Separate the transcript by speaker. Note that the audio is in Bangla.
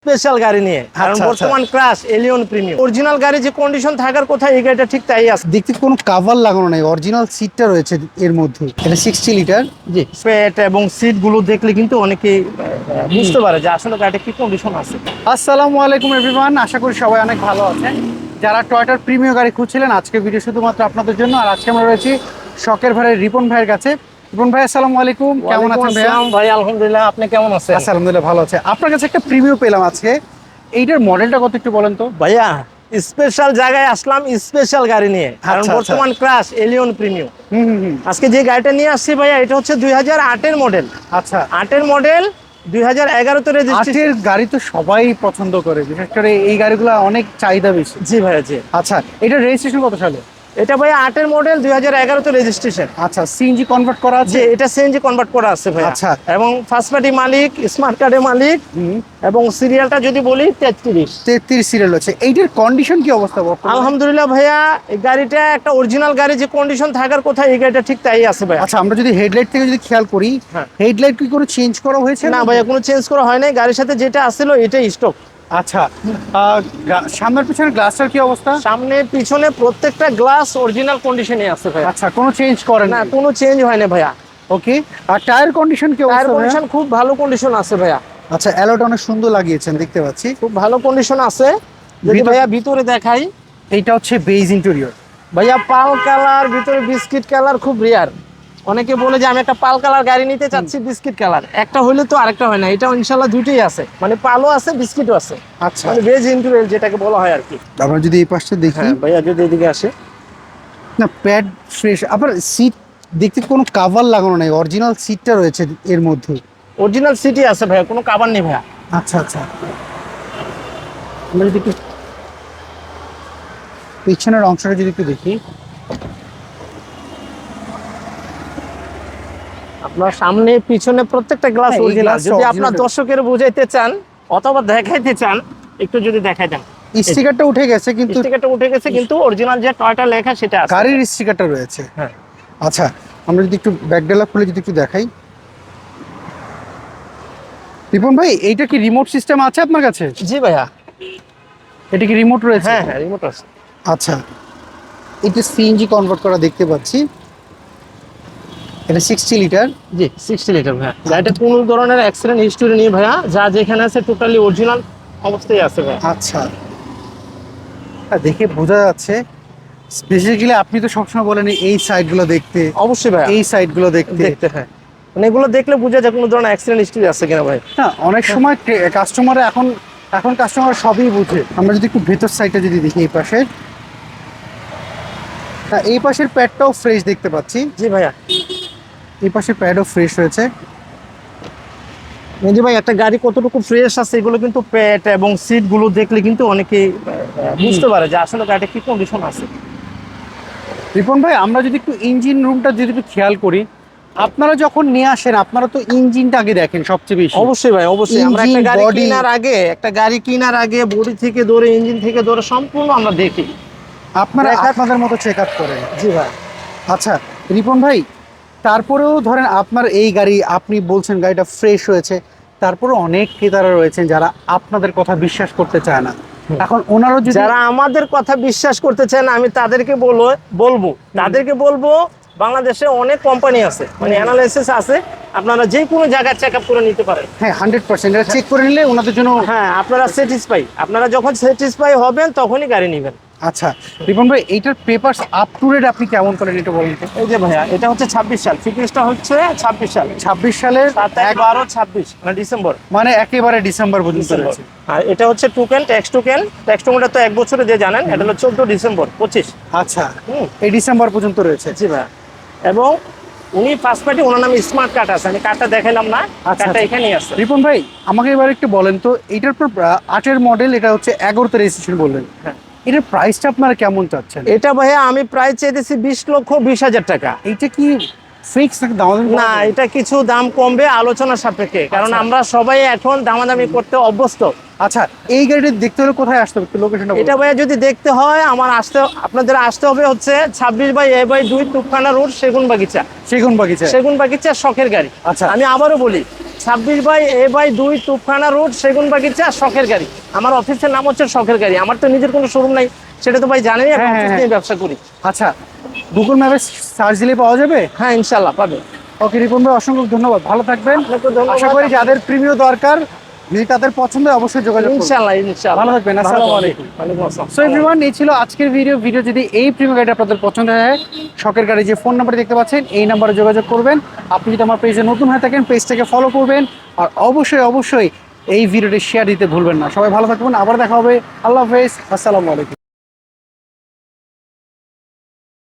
Speaker 1: স্পেশাল গাড়ি নিয়ে, কারণ বর্তমান ক্রাশ এলিয়ন প্রিমিয়াম অরিজিনাল গাড়ি যে কন্ডিশন থাকার কথা এই গাড়িটা ঠিক তাই আছে।
Speaker 2: দেখতে কোনো কাভার লাগানো নাই, অরিজিনাল সিটটা রয়েছে এর মধ্যে। এটা 60 লিটার।
Speaker 1: জি, পেট এবং সিট গুলো দেখলে কিন্তু অনেকেই বুঝতে পারে যে আসলে গাড়িটা কি কন্ডিশন আছে।
Speaker 2: আসসালামু আলাইকুম এভরিওয়ান, আশা করি সবাই অনেক ভালো আছেন। যারা টয়োটার প্রিমিয়াম গাড়ি খুঁজছিলেন, আজকে ভিডিও শুধুমাত্র আপনাদের জন্য। আর আজকে আমরা রয়েছি শখের ভাইয়ের রিপন ভাইয়ের কাছে। রিপন ভাই আসসালামু আলাইকুম, কেমন আছেন ভাইয়া?
Speaker 1: ভাই আলহামদুলিল্লাহ, আপনি কেমন আছেন?
Speaker 2: আলহামদুলিল্লাহ ভালো আছে। আপনার কাছে একটা প্রিমিয়াম পেলাম আজকে, এইটার মডেলটা কত একটু বলেন তো।
Speaker 1: ভাইয়া স্পেশাল জায়গায় আসলাম স্পেশাল গাড়ি নিয়ে, কারণ বর্তমান ক্রাশ এলিয়ন প্রিমিয়াম। আজকে যে গাড়িটা নিয়ে আসছি ভাইয়া, এটা হচ্ছে 2008 মডেল।
Speaker 2: আচ্ছা,
Speaker 1: 8 মডেল, 2011 রেজিস্ট্রেশন।
Speaker 2: গাড়ি তো সবাই পছন্দ করে, বিশেষ করে এই গাড়িগুলো অনেক চাহিদা বেশি।
Speaker 1: জি ভাইয়া জি।
Speaker 2: আচ্ছা, এটা রেজিস্ট্রেশন কত সালে?
Speaker 1: এটা ভাইয়া 8 মডেল, 2011 রেজিস্ট্রেশন।
Speaker 2: আচ্ছা, সিএনজি কনভার্ট করা আছে?
Speaker 1: জি, এটা সিএনজি কনভার্ট করা আছে ভাইয়া।
Speaker 2: আচ্ছা,
Speaker 1: এবং ফার্স্ট পার্টি মালিক, স্মার্ট কার্ডের মালিক, এবং সিরিয়ালটা যদি বলি
Speaker 2: 33 সিরিয়াল আছে। এইটার কন্ডিশন কি অবস্থা বর্তমানে?
Speaker 1: আলহামদুলিল্লাহ ভাইয়া, এই গাড়িটা একটা অরিজিনাল গাড়ি যে কন্ডিশন থাকার কথা এই গাড়িটা ঠিক তাই আছে ভাইয়া।
Speaker 2: আচ্ছা, আমরা যদি হেডলাইট থেকে যদি খেয়াল করি, হেডলাইট কি কোনো চেঞ্জ করা হয়েছে?
Speaker 1: না ভাইয়া, কোনো চেঞ্জ করা হয় নাই, গাড়ির সাথে যেটা আসছিল এটাই স্টক।
Speaker 2: আচ্ছা, সামনের পিছনের গ্লাসটার কি অবস্থা?
Speaker 1: সামনে পিছনে প্রত্যেকটা গ্লাস অরিজিনাল কন্ডিশনে আছে ভাইয়া।
Speaker 2: আচ্ছা, কোনো চেঞ্জ করেন
Speaker 1: না, কোনো চেঞ্জ হয় না ভাইয়া।
Speaker 2: ওকে। আর টায়ার কন্ডিশন কি
Speaker 1: টায়ার
Speaker 2: অবস্থা?
Speaker 1: কন্ডিশন খুব ভালো কন্ডিশন আছে ভাইয়া।
Speaker 2: আচ্ছা, অ্যালোটা অনেক সুন্দর লাগিয়েছেন দেখতে পাচ্ছি,
Speaker 1: খুব ভালো কন্ডিশন আছে। যদি ভাইয়া ভিতরে দেখাই,
Speaker 2: এইটা হচ্ছে বেজ ইন্টেরিয়র
Speaker 1: ভাইয়া পাল কালার, ভিতরে বিস্কিট কালার, খুব রেয়ার। অনেকে বলে যে আমি একটা পাল কালার গাড়ি নিতে চাচ্ছি, বিস্কিট কালার একটা হইলে তো আরেকটা হয় না। এটা ইনশাআল্লাহ দুটোই আছে, মানে পালও আছে বিস্কিটও আছে।
Speaker 2: আচ্ছা,
Speaker 1: মানে বেজ ইন্টেরিয়র যেটাকে বলা হয় আর কি।
Speaker 2: আমরা যদি এই পাশটা দেখি,
Speaker 1: হ্যাঁ ভাইয়া যদি এদিকে আসে,
Speaker 2: না প্যাড ফ্রেশ। আবার সিট দেখতে কোনো কাভার লাগানো নাই, অরিজিনাল সিটটা রয়েছে এর মধ্যে।
Speaker 1: অরিজিনাল সিটি আছে ভাইয়া, কোনো কাভার নেই ভাইয়া।
Speaker 2: আচ্ছা আচ্ছা, আমরা যদি একটু পিছনের অংশটা যদি একটু দেখি,
Speaker 1: আপনার সামনে পিছনে প্রত্যেকটা গ্লাস
Speaker 2: হ্যাঁ, এই
Speaker 1: অরিজিনাল।
Speaker 2: গ্লাসটা
Speaker 1: যদি
Speaker 2: original।
Speaker 1: আপনার দর্শকের বুঝাইতে চান অথবা দেখাইতে চান, একটু যদি দেখাই দেন।
Speaker 2: স্টিকারটা উঠে গেছে কিন্তু
Speaker 1: স্টিকারটা উঠে গেছে, কিন্তু অরিজিনাল যে টয়টা লেখা সেটা আছে।
Speaker 2: গাড়ির স্টিকারটা রয়েছে।
Speaker 1: হ্যাঁ।
Speaker 2: আচ্ছা, আমরা যদি একটু ব্যাকডালা খুলে যদি একটু দেখাই, রিপন ভাই এইটা কি রিমোট সিস্টেম আছে আপনার কাছে?
Speaker 1: জি ভাইয়া।
Speaker 2: এটা কি রিমোট রয়েছে?
Speaker 1: হ্যাঁ হ্যাঁ, রিমোট আছে।
Speaker 2: আচ্ছা, এটা সিএনজি কনভার্ট করা দেখতে পাচ্ছি। এটা 60 লিটার।
Speaker 1: জি, 60 লিটার ভাইয়া। গাড়িটা কোনো ধরনের অ্যাক্সিডেন্ট হিস্টোরি নেই ভাইয়া, যা যেখানে আছে টোটালি অরিজিনাল অবস্থায় আছে ভাইয়া।
Speaker 2: আচ্ছা, দেখে বোঝা যাচ্ছে। বেসিক্যালি আপনি তো সবসময় বলেন এই সাইডগুলো দেখতে,
Speaker 1: অবশ্যই ভাইয়া,
Speaker 2: এই সাইডগুলো দেখতে।
Speaker 1: হ্যাঁ, মানে এগুলো দেখলে বোঝা যায় কোনো ধরনের অ্যাক্সিডেন্ট হিস্টোরি আছে কিনা ভাই।
Speaker 2: না, অনেক সময় কাস্টমার এখন কাস্টমার সবই বুঝে। আমরা যদি একটু ভেতর সাইডটা যদি দেখি, এই পাশের, হ্যাঁ এই পাশের প্যাডটাও ফ্রেশ দেখতে পাচ্ছি।
Speaker 1: জি ভাইয়া।
Speaker 2: এই পাশের প্যাডও ফ্রেশ রয়েছে।
Speaker 1: জি ভাই, একটা গাড়ি কতটুকু ফ্রেশ আছে এগুলো কিন্তু পেট এবং সিট গুলো দেখলে কিন্তু অনেকেই বুঝতে পারে যে আসলে গাড়িটা কি কন্ডিশন আছে।
Speaker 2: রিপন ভাই, আমরা যদি একটু ইঞ্জিন রুমটা যদি একটু খেয়াল করি, আপনারা যখন নিয়ে আসেন আপনারা তো ইঞ্জিনটা আগে দেখেন সবচেয়ে বেশি।
Speaker 1: অবশ্যই ভাই, অবশ্যই। আমরা একটা গাড়ি কেনার আগে বডি থেকে ধরে ইঞ্জিন থেকে ধরে সম্পূর্ণ আমরা দেখি।
Speaker 2: আপনারা আপনাদের মতো চেক আপ করেন।
Speaker 1: জি ভাই।
Speaker 2: আচ্ছা রিপন ভাই, তারপরেও ধরেন আপনার এই গাড়ি, আপনি বলছেন গাড়িটা ফ্রেশ হয়েছে, তারপরে অনেক ক্রেতারা রয়েছেন যারা আপনাদের কথা বিশ্বাস করতে চায় না। এখন ওনারও
Speaker 1: যারা আমাদের কথা বিশ্বাস করতে চায় না, আমি তাদেরকে বলবো বাংলাদেশে অনেক কোম্পানি আছে, মানে অ্যানালাইসিস আছে, আপনারা যে কোনো জায়গায় চেক আপ করে নিতে পারেন।
Speaker 2: হ্যাঁ 100% এটা চেক করে নিলে ওনাদের জন্য।
Speaker 1: হ্যাঁ, আপনারা যখন স্যাটিসফাই হবেন তখনই গাড়ি নেবেন।
Speaker 2: আচ্ছা রিপন ভাই, এইটার পেপারস আপ টু ডেট আপনি কেমন করেন একটু বলুন তো।
Speaker 1: এই যে ভাইয়া, এটা হচ্ছে 26 সাল, ফিটনেসটা হচ্ছে 26 সাল,
Speaker 2: 26 সালের
Speaker 1: 7/12/26 মানে ডিসেম্বর,
Speaker 2: মানে একেবারে ডিসেম্বর পর্যন্ত রয়েছে।
Speaker 1: আর এটা হচ্ছে ট্যাক্স টোকেনটা তো 1 বছরে যে জানেন, এটা হলো 14 ডিসেম্বর 25।
Speaker 2: আচ্ছা, এই ডিসেম্বর পর্যন্ত রয়েছে।
Speaker 1: জি ভাইয়া। এবং উনি ফার্স্ট পার্টি, ওনার নামে স্মার্ট কার্ড আছে, আমি কার্ডটা দেখাইলাম না, কার্ডটা এখানেই আছে।
Speaker 2: রিপন ভাই, আমাকে এবার একটু বলেন তো, এইটার পর 8 মডেল, এটা হচ্ছে 11তে রেজিস্ট্রেশন বললেন।
Speaker 1: হ্যাঁ,
Speaker 2: এটার প্রাইসটা আপনারা কেমন চাচ্ছেন?
Speaker 1: এটা ভাইয়া আমি প্রাইস চেয়েছি 20,20,000 টাকা।
Speaker 2: এইটা কি ফিক্স নাকি দামাদামি?
Speaker 1: না, এটা কিছু দাম কমবে আলোচনা সাপেক্ষে, কারণ আমরা সবাই এখন দামাদামি করতে অভ্যস্ত।
Speaker 2: আচ্ছা, এই গাড়িটা দেখতে হলে কোথায় আসতে হবে একটু লোকেশনটা বলুন।
Speaker 1: এটা ভাইয়া যদি দেখতে হয় আপনাদের আসতে হবে হচ্ছে 26/A/2 তুফখানা রোড, সেগুন বাগিচা
Speaker 2: সেগুন বাগিচা
Speaker 1: শখের গাড়ি।
Speaker 2: আচ্ছা,
Speaker 1: আমি আবারও বলি, 26/A/2 তুফখানা রোড, সেগুনবাগিচা, শখের গাড়ি। আমার অফিসের নাম হচ্ছে শখের গাড়ি। আমার তো নিজের কোনো শোরুম নাই, সেটা তো ভাই জানেনই, আমি
Speaker 2: হ্যাঁ,
Speaker 1: অফিস
Speaker 2: হ্যাঁ,
Speaker 1: নিয়ে ব্যবসা করি।
Speaker 2: আচ্ছা, গুগল ম্যাপে সার্চ দিলে পাওয়া যাবে?
Speaker 1: হ্যাঁ, ইনশাল্লাহ পাবে।
Speaker 2: ওকে রিপন ভাই, অসংখ্য ধন্যবাদ, ভালো থাকবেন।
Speaker 1: আপনাকে ধন্যবাদ।
Speaker 2: আশা করি যাদের প্রিমিয় দরকার, যদি তাদের পছন্দ হয় অবশ্যই যোগাযোগ করবেন।
Speaker 1: ইনশাল্লাহ
Speaker 2: ভালো থাকবেন, আসসালামু আলাইকুম।
Speaker 1: ওয়ালাইকুম আসসালাম।
Speaker 2: সো এভরিওয়ান, এই ছিল আজকের ভিডিও যদি এই প্রিমিয়াম গাড়িটা আপনাদের পছন্দ হয়, শখের গাড়ি যে ফোন নাম্বার দেখতে পাচ্ছেন এই নাম্বারে যোগাযোগ করবেন। আপনি যদি আমার পেজে নতুন হয়ে থাকেন পেজটাকে ফলো করবেন, আর অবশ্যই এই ভিডিওটি শেয়ার দিতে ভুলবেন না। সবাই ভালো থাকবেন, আবার দেখা হবে। আল্লাহ হাফেজ, আসসালামু আলাইকুম।